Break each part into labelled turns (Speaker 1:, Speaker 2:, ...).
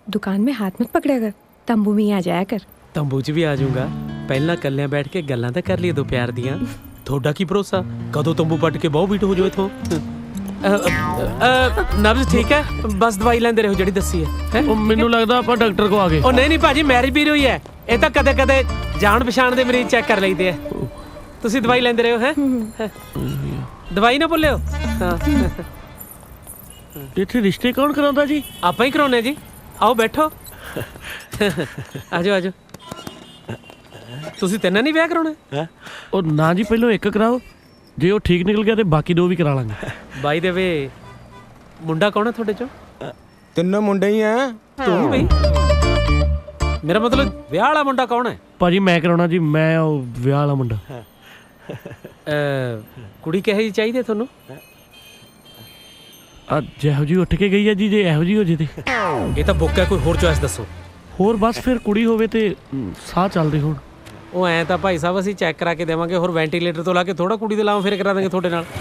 Speaker 1: दुकान में हाथ मत पकड़ा कर, तंबू में ही आ जाया कर।
Speaker 2: तंबू च भी आ जाऊंगा। पहला कल्लियां बैठ के गल्लां तां कर लिए दो प्यार दियां। थोड़ा की भरोसा कदों तंबू पट के बहुत बीट हो जाओ इथों। नब्ज ठीक है, बस दवाई लेंदे रहो ਜਿਹੜੀ ਦੱਸੀ ਹੈ।
Speaker 3: ਮੈਨੂੰ ਲੱਗਦਾ ਆਪਾਂ ਡਾਕਟਰ ਕੋ ਆ ਗਏ।
Speaker 2: ਉਹ ਨਹੀਂ ਭਾਜੀ, ਮੈਰਿਜ ਵੀ ਹੋਈ ਹੈ। ਇਹ ਤਾਂ ਕਦੇ ਕਦੇ ਜਾਣ ਪਛਾਣ ਦੇ ਮਰੀਜ਼ ਚੈੱਕ ਕਰ ਲਈਦੇ ਆ। ਤੁਸੀਂ ਦਵਾਈ ਲੈਂਦੇ ਰਹੋ ਹੈ। ਦਵਾਈ ਨਾ ਭੁੱਲਿਓ। ਹਾਂ,
Speaker 3: ਇੱਥੇ ਰਿਸ਼ਤੇ ਕੌਣ ਕਰਾਉਂਦਾ ਜੀ?
Speaker 2: ਆਪਾਂ ਹੀ ਕਰਾਉਨੇ ਜੀ। ਆਓ ਬੈਠੋ। ਆਜੋ ਆਜੋ। ਤੁਸੀਂ ਤਿੰਨਾਂ ਨਹੀਂ ਵਿਆਹ ਕਰਾਉਣਾ?
Speaker 3: ਉਹ ਨਾ ਜੀ, ਪਹਿਲਾਂ ਇੱਕ ਕਰਾਓ, ਜੇ ਉਹ ਠੀਕ ਨਿਕਲ ਗਿਆ ਤੇ ਬਾਕੀ ਦੋ ਵੀ ਕਰਾ ਲਾਂਗੇ।
Speaker 2: ਬਾਈ ਦੇ ਵੇ ਮੁੰਡਾ ਕੌਣ ਹੈ ਤੁਹਾਡੇ ਚੋਂ?
Speaker 4: ਤਿੰਨੋਂ ਮੁੰਡੇ ਹੀ ਆ।
Speaker 2: ਤੂੰ ਬਈ? ਮੇਰਾ ਮਤਲਬ ਵਿਆਹ ਵਾਲਾ ਮੁੰਡਾ ਕੌਣ ਹੈ?
Speaker 3: ਭਾਜੀ ਮੈਂ ਕਰਾਉਣਾ ਜੀ, ਮੈਂ ਉਹ ਵਿਆਹ ਵਾਲਾ ਮੁੰਡਾ।
Speaker 2: ਕੁੜੀ ਕਿਹੋ ਜਿਹੀ ਚਾਹੀਦੀ ਤੁਹਾਨੂੰ?
Speaker 3: ਜਿਹੋ ਜੀ ਉੱਠ ਕੇ ਗਈ ਹੈ ਜੀ, ਜੇ ਇਹੋ ਜੀ ਹੋ ਜੇ ਤੇ।
Speaker 2: ਇਹ ਤਾਂ ਬੁੱਕ ਹੈ, ਕੋਈ ਹੋਰ ਚੋਇਸ ਦੱਸੋ।
Speaker 3: ਹੋਰ ਬਸ ਫਿਰ ਕੁੜੀ ਹੋਵੇ ਤੇ ਸਾਹ ਚੱਲਦੇ ਹੋਣ।
Speaker 2: ਉਹ ਐਂ ਤਾਂ ਭਾਈ ਸਾਹਿਬ ਅਸੀਂ ਚੈੱਕ ਕਰਾ ਕੇ ਦੇਵਾਂਗੇ, ਹੋਰ ਵੈਂਟੀਲੇਟਰ ਤੋਂ ਲਾ ਕੇ ਥੋੜਾ ਕੁੜੀ ਦੇ ਲਾਵਾਂ ਫਿਰ ਕਰਾ ਦਾਂਗੇ ਤੁਹਾਡੇ ਨਾਲ।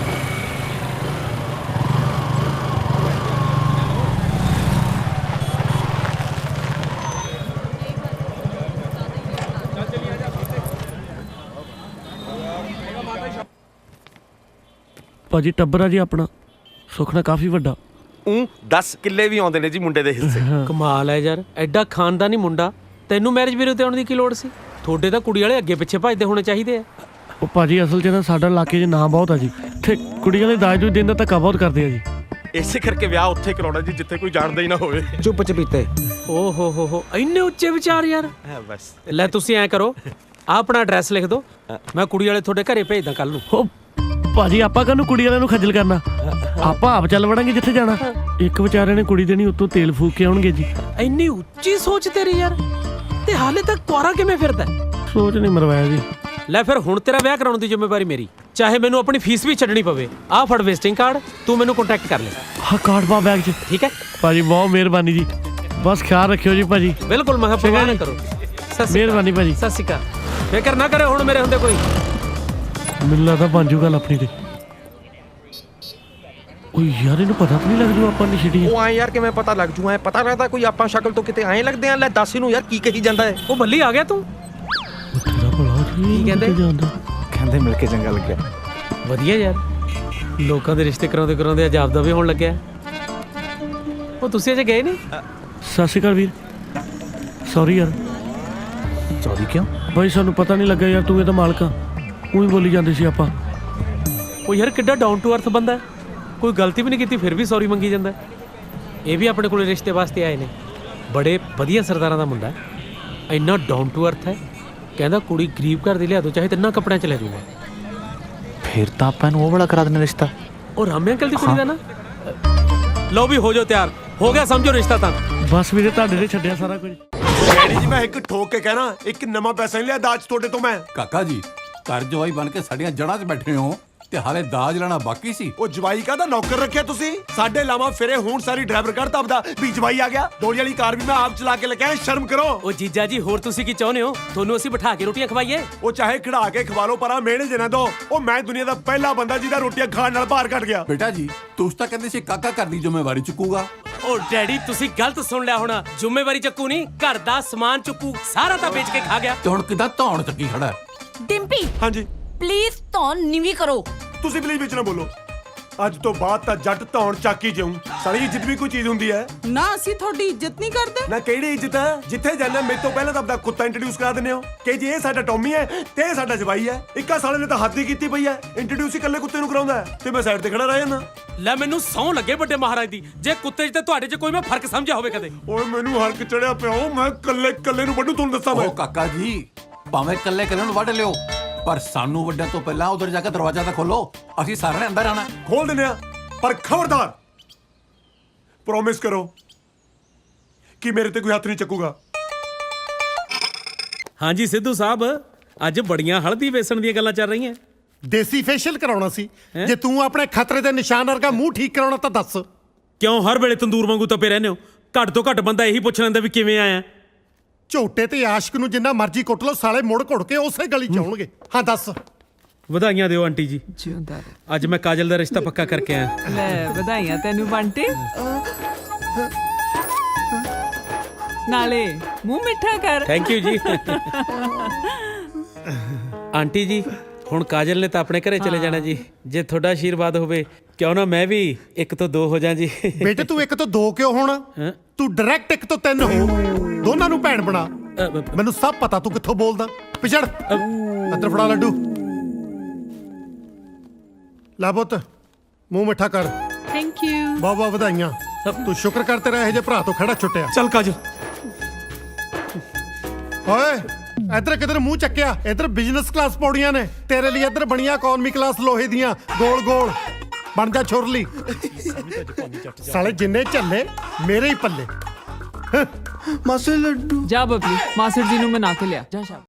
Speaker 3: ਭਾਜੀ ਟੱਬਰ ਆ ਜੀ ਆਪਣਾ, ਸੁਖਨਾ ਕਾਫੀ ਵੱਡਾ।
Speaker 4: 10 ਕਿੱਲੇ ਵੀ ਆਉਂਦੇ ਨੇ ਜੀ ਮੁੰਡੇ ਦੇ ਹਿੱਸੇ।
Speaker 2: ਕਮਾਲ ਹੈ ਯਾਰ, ਐਡਾ ਖਾਨਦਾਨੀ ਮੁੰਡਾ, ਤੈਨੂੰ ਮੈਰਿਜ ਬਿਊਰੋ ਤੇ ਆਉਣ ਦੀ ਕੀ ਲੋੜ ਸੀ? ਤੁਹਾਡੇ ਤਾਂ ਕੁੜੀ ਵਾਲੇ ਅੱਗੇ ਪਿੱਛੇ ਭੱਜਦੇ ਹੋਣੇ ਚਾਹੀਦੇ ਆ।
Speaker 3: ਉਹ ਭਾਜੀ ਅਸਲ 'ਚ ਨਾ ਸਾਡਾ ਇਲਾਕੇ 'ਚ ਨਾਂ ਬਹੁਤ ਆ ਜੀ, ਇੱਥੇ ਕੁੜੀ ਵਾਲੇ ਦਾਜ ਦੂਜ ਦੇਣ ਦਾ ਧੱਕਾ ਬਹੁਤ ਕਰਦੇ ਆ ਜੀ।
Speaker 4: ਇਸੇ ਕਰਕੇ ਵਿਆਹ ਉੱਥੇ ਕਰਾਉਣਾ ਜੀ ਜਿੱਥੇ ਕੋਈ ਜਾਣਦਾ ਹੀ ਨਾ ਹੋਵੇ। ਚੁੱਪ ਚਪੀਤੇ।
Speaker 2: ਓ ਹੋ ਇੰਨੇ ਉੱਚੇ ਵਿਚਾਰ ਯਾਰ।
Speaker 4: ਬਸ
Speaker 2: ਲੈ ਤੁਸੀਂ ਐਂ ਕਰੋ, ਆਹ ਆਪਣਾ ਐਡਰੈਸ ਲਿਖ ਦਿਓ, ਮੈਂ ਕੁੜੀ ਵਾਲੇ ਤੁਹਾਡੇ ਘਰੇ ਭੇਜਦਾ ਕੱਲ ਨੂੰ।
Speaker 3: ਉਹ ਭਾਜੀ ਆਪਾਂ ਕਾਹਨੂੰ ਕੁੜੀ ਵਾਲਿਆਂ ਨੂੰ ਖੱਜਲ ਕਰਨਾ, ਆਪਾਂ ਆਪ ਚੱਲ ਵੜਾਂਗੇ ਜਿੱਥੇ ਜਾਣਾ। ਇੱਕ ਵਿਚਾਰੇ ਨੇ ਕੁੜੀ ਦੇਣੀ, ਉੱਤੋਂ ਤੇਲ ਫੂਕ ਕੇ ਆਉਣਗੇ ਜੀ।
Speaker 2: ਇੰਨੀ ਉੱਚੀ ਸੋਚ ਤੇਰੀ ਯਾਰ, ਤੇ ਹਾਲੇ ਤੱਕ ਕੁਆਰਾ ਕਿਵੇਂ ਫਿਰਦਾ?
Speaker 3: ਸੋਚ ਨਹੀਂ ਮਰਵਾਇਆ ਜੀ।
Speaker 2: ਲੈ ਫਿਰ ਹੁਣ ਤੇਰਾ ਵਿਆਹ ਕਰਾਉਣ ਦੀ ਜ਼ਿੰਮੇਵਾਰੀ ਮੇਰੀ, ਚਾਹੇ ਮੈਨੂੰ ਆਪਣੀ ਫੀਸ ਵੀ ਛੱਡਣੀ ਪਵੇ। ਆਹ ਫੜ ਵਿਜ਼ਿਟਿੰਗ ਕਾਰਡ, ਤੂੰ ਮੈਨੂੰ ਕੰਟੈਕਟ ਕਰ ਲੈ।
Speaker 3: ਹਾਂ ਕਾਰਡ ਪਾ ਬੈਗ 'ਚ।
Speaker 2: ਠੀਕ ਹੈ
Speaker 3: ਭਾਜੀ ਬਹੁਤ ਮਿਹਰਬਾਨੀ ਜੀ, ਬਸ ਖਿਆਲ ਰੱਖਿਓ ਜੀ ਭਾਜੀ।
Speaker 2: ਬਿਲਕੁਲ, ਮੈਂ ਪਰਵਾਹ ਨਾ ਕਰੋ।
Speaker 3: ਮਿਹਰਬਾਨੀ ਭਾਜੀ।
Speaker 2: ਸਤਿ ਸ਼੍ਰੀ ਅਕਾਲ। ਫਿਕਰ ਨਾ ਕਰੇ ਹੁਣ ਮੇਰੇ ਹੁੰਦੇ ਕੋਈ।
Speaker 3: ਮੈਨੂੰ ਲੱਗਦਾ ਬਣ ਜੂ ਗੱਲ ਆਪਣੀ ਤੇ। ਓਏ ਯਾਰ ਇਹਨੂੰ ਪਤਾ ਤਾਂ ਨਹੀਂ ਲੱਗ ਜੂ ਆਪਾਂ ਨੇ ਛਿੜੀ।
Speaker 4: ਉਹ ਆਏ ਯਾਰ ਕਿਵੇਂ ਪਤਾ ਲੱਗ ਜੂ? ਐ ਪਤਾ ਲੱਗਦਾ ਕੋਈ ਆਪਾਂ ਸ਼ਕਲ ਤੋਂ ਕਿਤੇ ਐਂ ਲੱਗਦੇ ਆ। ਲੈ ਦੱਸ ਇਹਨੂੰ ਯਾਰ ਕੀ ਕਹੀ ਜਾਂਦਾ ਹੈ।
Speaker 2: ਉਹ ਬੱਲੀ ਆ ਗਿਆ ਤੂੰ।
Speaker 3: ਤੇਰਾ ਭਲਾ
Speaker 2: ਕੀ ਕਹਿੰਦੇ?
Speaker 4: ਕਹਿੰਦੇ ਮਿਲ ਕੇ ਚੰਗਾ ਲੱਗਿਆ।
Speaker 2: ਵਧੀਆ ਯਾਰ, ਲੋਕਾਂ ਦੇ ਰਿਸ਼ਤੇ ਕਰਾਉਂਦੇ ਕਰਾਉਂਦੇ ਅੱਜ ਆਪਦਾ ਵੀ ਹੋਣ ਲੱਗਿਆ। ਉਹ ਤੁਸੀਂ ਅਜੇ ਗਏ ਨਹੀਂ?
Speaker 3: ਸਤਿ ਸ਼੍ਰੀ ਅਕਾਲ ਵੀਰ, ਸੌਰੀ ਯਾਰ।
Speaker 4: ਸੌਰੀ ਕਿਉਂ?
Speaker 3: ਬਾਈ ਸਾਨੂੰ ਪਤਾ ਨਹੀਂ ਲੱਗਾ ਯਾਰ, ਤੂੰ ਇਹਦਾ ਮਾਲਕ ਆ। ਉਹੀ ਬੋਲੀ ਜਾਂਦੇ ਸੀ ਆਪਾਂ।
Speaker 2: ਉਹ ਯਾਰ ਕਿੱਡਾ ਡਾਊਨ ਟੂ ਅਰਥ ਬੰਦਾ, ਕੋਈ ਗਲਤੀ ਵੀ ਨਹੀਂ ਕੀਤੀ ਫਿਰ ਵੀ ਸੌਰੀ ਮੰਗੀ ਜਾਂਦਾ। ਇਹ ਵੀ ਆਪਣੇ ਕੋਲ ਰਿਸ਼ਤੇ ਵਾਸਤੇ ਆਏ ਨੇ, ਬੜੇ ਵਧੀਆ ਸਰਦਾਰਾਂ ਦਾ ਮੁੰਡਾ, ਇੰਨਾ ਡਾਊਨ ਟੂ ਅਰਥ ਹੈ। ਕਹਿੰਦਾ ਕੁੜੀ ਗਰੀਬ ਘਰ ਦੀ ਲਿਆ ਦੋ, ਚਾਹੇ ਤਿੰਨਾਂ ਕੱਪੜਿਆਂ 'ਚ ਲੈ ਜਾਊਗਾ।
Speaker 4: ਫਿਰ ਤਾਂ ਆਪਾਂ ਨੂੰ ਉਹ ਵਾਲਾ ਕਰਾ ਦੇਣਾ ਰਿਸ਼ਤਾ।
Speaker 2: ਉਹ ਰਾਮੇ ਅੰਕਲ ਦੀ ਕੁੜੀ ਦਾ ਨਾ। ਲਓ ਵੀ ਹੋ ਜਾਓ ਤਿਆਰ, ਹੋ ਗਿਆ ਸਮਝੋ ਰਿਸ਼ਤਾ ਤਾਂ।
Speaker 3: ਬਸ ਵੀਰੇ ਤੁਹਾਡੇ ਨੇ ਛੱਡਿਆ ਸਾਰਾ ਕੁਝ।
Speaker 5: ਡੈਡੀ ਜੀ ਮੈਂ ਇੱਕ ਠੋਕ ਕੇ ਕਹਿਣਾ, ਇੱਕ ਨਵਾਂ ਪੈਸਾ ਨਹੀਂ ਲਿਆ ਦਾਜ ਤੁਹਾਡੇ ਤੋਂ ਮੈਂ।
Speaker 6: ਕਾਕਾ ਜੀ ਘਰ ਜਵਾਈ ਬਣ ਕੇ ਸਾਡੀਆਂ ਜੜ੍ਹਾਂ 'ਚ ਬੈਠੇ ਹੋ ਤੇ ਹਾਲੇ ਦਾਜ ਲੈਣਾ ਬਾਕੀ ਸੀ।
Speaker 5: ਉਹ ਜਵਾਈ ਕਾਹਦਾ ਨੌਕਰ ਰੱਖਿਆ ਤੁਸੀਂ? ਸਾਡੇ ਲਾਵਾਂ ਫਿਰੇ ਹੁਣ ਸਾਰੀ ਡਰਾਈਵਰ ਕਰ ਤਬਦਾ ਵੀ ਜਵਾਈ ਆ ਗਿਆ। ਦੋੜੀ ਵਾਲੀ ਕਾਰ ਵੀ ਮੈਂ ਆਪ ਚਲਾ ਕੇ ਲੈ ਕੇ ਆਇਆ, ਸ਼ਰਮ ਕਰੋ।
Speaker 2: ਉਹ ਜੀਜਾ ਜੀ ਹੋਰ ਤੁਸੀਂ ਕੀ ਚਾਹੁੰਦੇ ਹੋ? ਤੁਹਾਨੂੰ ਅਸੀਂ ਬਿਠਾ ਕੇ ਰੋਟੀਆਂ ਖਵਾਈਏ?
Speaker 5: ਉਹ ਚਾਹੇ ਖੜਾ ਕੇ ਖਵਾ ਲਓ, ਪਰ ਮਿਹਣੇ ਜੇ ਨਾ ਦੋ। ਉਹ ਮੈਂ ਦੁਨੀਆ ਦਾ ਪਹਿਲਾ ਬੰਦਾ ਜਿਹਦਾ ਰੋਟੀਆਂ ਖਾਣ ਨਾਲ ਭਾਰ ਘਟ ਗਿਆ।
Speaker 6: ਬੇਟਾ ਜੀ ਤੁਸੀਂ ਤਾਂ ਕਹਿੰਦੇ ਸੀ ਕਾਕਾ ਘਰ ਦੀ ਜ਼ਿੰਮੇਵਾਰੀ ਚੁੱਕੂਗਾ।
Speaker 2: ਉਹ ਡੈਡੀ ਤੁਸੀਂ ਗਲਤ ਸੁਣ ਲਿਆ ਹੋਣਾ। ਜ਼ਿੰਮੇਵਾਰੀ ਚੱਕੂ ਨਹੀਂ, ਘਰ ਦਾ ਸਮਾਨ ਚੁੱਕੂ, ਸਾਰਾ ਤਾਂ ਵੇਚ ਕੇ ਖਾ ਗਿਆ।
Speaker 6: ਤੇ ਹੁਣ ਕਿੱਦਾਂ ਧੌਣ ਚੱਕੀ ਖੜਾ ਹੈ?
Speaker 7: ਡਿੰਪੀ
Speaker 5: ਹਾਂਜੀ
Speaker 7: ਪਲੀਜ਼ ਧੌਣ ਨੀਵੀਂ ਕਰੋ।
Speaker 5: ਤੁਸੀਂ ਪਲੀਜ਼ ਵਿੱਚ ਨਾ ਬੋਲੋ। ਅੱਜ ਤੋਂ ਬਾਅਦ ਤਾਂ ਜੱਟ ਧੌਣ ਚੱਕ ਹੀ ਜਾਊਂ। ਸਾਲੀ ਇੱਜ਼ਤ ਵੀ ਕੋਈ ਚੀਜ਼ ਹੁੰਦੀ ਹੈ
Speaker 8: ਨਾ। ਅਸੀਂ ਤੁਹਾਡੀ ਇੱਜ਼ਤ ਨਹੀਂ ਕਰਦੇ।
Speaker 5: ਨਾ ਕਿਹੜੀ ਇੱਜ਼ਤ ਹੈ? ਜਿੱਥੇ ਜਾਣਾ ਮੇਰੇ ਤੋਂ ਪਹਿਲਾਂ ਤਾਂ ਆਪਦਾ ਕੁੱਤਾ ਇੰਟਰੋਡਿਊਸ ਕਰਾ ਦਿੰਦੇ ਹੋ ਕਿ ਜੀ ਇਹ ਸਾਡਾ ਟੌਮੀ ਹੈ ਤੇ ਇਹ ਸਾਡਾ ਜਵਾਈ ਹੈ। ਇੱਕਾ ਸਾਲੇ ਨੇ ਤਾਂ ਹੱਦ ਹੀ ਕੀਤੀ ਪਈ ਹੈ, ਇੰਟਰੋਡਿਊਸ ਹੀ ਇਕੱਲੇ ਕੁੱਤੇ ਨੂੰ ਕਰਾਉਂਦਾ ਹੈ ਤੇ ਮੈਂ ਸਾਈਡ ਤੇ ਖੜਾ ਰਹਿ ਜਾਂਦਾ।
Speaker 2: ਲੈ ਮੈਨੂੰ ਸਹੁੰ ਲੱਗੇ ਵੱਡੇ ਮਹਾਰਾਜ ਦੀ, ਜੇ ਕੁੱਤੇ 'ਚ ਤੇ ਤੁਹਾਡੇ 'ਚ ਕੋਈ ਮੈਂ ਫਰਕ ਸਮਝਿਆ ਹੋਵੇ ਕਦੇ।
Speaker 5: ਓਏ ਮੈਨੂੰ ਹਰਕ ਚੜਿਆ ਪਿਆ, ਮੈਂ ਕੱਲੇ ਨੂੰ ਵੱਢੂ। ਤੁਹਾਨੂੰ ਦੱਸਾਂ ਮੈਂ।
Speaker 6: ਉਹ ਕਾਕਾ ਜੀ ਭਾਵੇਂ ਇਕੱਲੇ ਨੂੰ ਵੱਢ ਲਿਓ, ਪਰ ਸਾਨੂੰ ਵੱਡਿਆਂ ਤੋਂ ਪਹਿਲਾਂ ਉਧਰ ਜਾ ਕੇ ਦਰਵਾਜ਼ਾ ਤਾਂ ਖੋਲੋ, ਅਸੀਂ ਸਾਰਿਆਂ ਨੇ ਅੰਦਰ ਆਣਾ।
Speaker 5: ਖੋਲ ਦਿੰਦੇ ਆ, ਪਰ ਖਬਰਦਾਰ ਪ੍ਰੋਮਿਸ ਕਰੋ ਕਿ ਮੇਰੇ ਤੇ ਕੋਈ ਹੱਥ ਨਹੀਂ ਚੱਕੂਗਾ।
Speaker 2: ਹਾਂਜੀ ਸਿੱਧੂ ਸਾਹਿਬ, ਅੱਜ ਬੜੀਆਂ ਹਲਦੀ ਵੇਸਣ ਦੀਆਂ ਗੱਲਾਂ ਚੱਲ ਰਹੀਆਂ।
Speaker 9: ਦੇਸੀ ਫੇਸ਼ੀਅਲ ਕਰਾਉਣਾ ਸੀ। ਜੇ ਤੂੰ ਆਪਣੇ ਖਤਰੇ ਦੇ ਨਿਸ਼ਾਨ ਵਰਗਾ ਮੂੰਹ ਠੀਕ ਕਰਾਉਣਾ ਤਾਂ ਦੱਸ।
Speaker 2: ਕਿਉਂ ਹਰ ਵੇਲੇ ਤੰਦੂਰ ਵਾਂਗੂ ਤਪੇ ਰਹਿੰਦੇ ਹੋ? ਘੱਟ ਤੋਂ ਘੱਟ ਬੰਦਾ ਇਹੀ ਪੁੱਛ ਲੈਂਦਾ ਵੀ ਕਿਵੇਂ ਆਇਆ।
Speaker 9: ਝੋਟੇ ਤੇ ਆਸ਼ਕ ਨੂੰ ਜਿੰਨਾ ਮਰਜ਼ੀ ਕੁੱਟ ਲਓ, ਸਾਲੇ ਮੁੜ ਘੁੜ ਕੇ ਉਸੇ ਗਲੀ ਚ ਆਉਣਗੇ। ਹਾਂ ਦੱਸ।
Speaker 2: ਵਧਾਈਆਂ ਦਿਓ ਆਂਟੀ ਜੀ,
Speaker 8: ਜਿਉਂਦਾ
Speaker 2: ਅੱਜ ਮੈਂ ਕਾਜਲ ਦਾ ਰਿਸ਼ਤਾ ਪੱਕਾ ਕਰਕੇ ਆਇਆ।
Speaker 8: ਲੈ ਵਧਾਈਆਂ ਤੈਨੂੰ ਬੰਟੇ। ਨਾਲੇ ਮੂੰਹ ਮਿੱਠਾ ਕਰ।
Speaker 2: ਥੈਂਕ ਯੂ ਜੀ। ਆਂਟੀ ਜੀ ਹੁਣ ਕਾਜਲ ਨੇ ਤਾਂ ਆਪਣੇ ਘਰੇ ਚਲੇ ਜਾਣਾ ਜੀ। ਜੇ ਤੁਹਾਡਾ ਆਸ਼ੀਰਵਾਦ ਹੋਵੇ ਕਿਉਂ ਨਾ ਮੈਂ ਵੀ 1 ਤੋਂ 2 ਹੋ ਜਾ ਜੀ।
Speaker 9: ਬੇਟੇ ਤੂੰ 1 ਤੋਂ 2 ਕਿਉਂ ਹੋਣਾ? ਤੂੰ ਡਾਇਰੈਕਟ 1 ਤੋਂ 3 ਹੋ। ਦੋਨਾਂ ਨੂੰ ਭੈਣ ਬਣਾ। ਮੈਨੂੰ ਸਭ ਪਤਾ ਤੂੰ ਕਿੱਥੋਂ ਬੋਲਦਾ। ਪਿਛੜ ਅੰਦਰ ਫੜਾ ਲੱਡੂ। ਲੈ ਪੁੱਤ ਮੂੰਹ ਮਿੱਠਾ ਕਰ।
Speaker 8: Thank you.
Speaker 9: ਬਹੁਤ ਬਹੁਤ ਵਧਾਈਆਂ। ਤੂੰ ਸ਼ੁਕਰ ਕਰ ਤੇਰਾ ਇਹੋ ਜਿਹੇ ਭਰਾ ਤੋਂ ਖੜਾ ਛੁੱਟਿਆ।
Speaker 2: ਚੱਲ ਕਾਜਲ।
Speaker 9: ਓਏ ਇੱਧਰ ਕਿਧਰ ਮੂੰਹ ਚੱਕਿਆ? ਇੱਧਰ ਬਿਜ਼ਨਸ ਕਲਾਸ ਪੌੜੀਆਂ ਨੇ ਤੇਰੇ ਲਈ। ਇੱਧਰ ਬਣੀਆਂ ਇਕਨੋਮੀ ਕਲਾਸ ਲੋਹੇ ਦੀਆਂ ਗੋਲ ਗੋਲ। ਬਣ ਜਾ ਛੁਰਲੀ। ਸਾਲੇ ਜਿੰਨੇ ਝੱਲੇ ਮੇਰੇ ਹੀ ਪੱਲੇ।
Speaker 8: ਜਾ ਬਬਲੀ ਮਾਸਟਰ ਜੀ ਨੂੰ ਮਨਾ ਕੇ ਲਿਆ ਜਾ।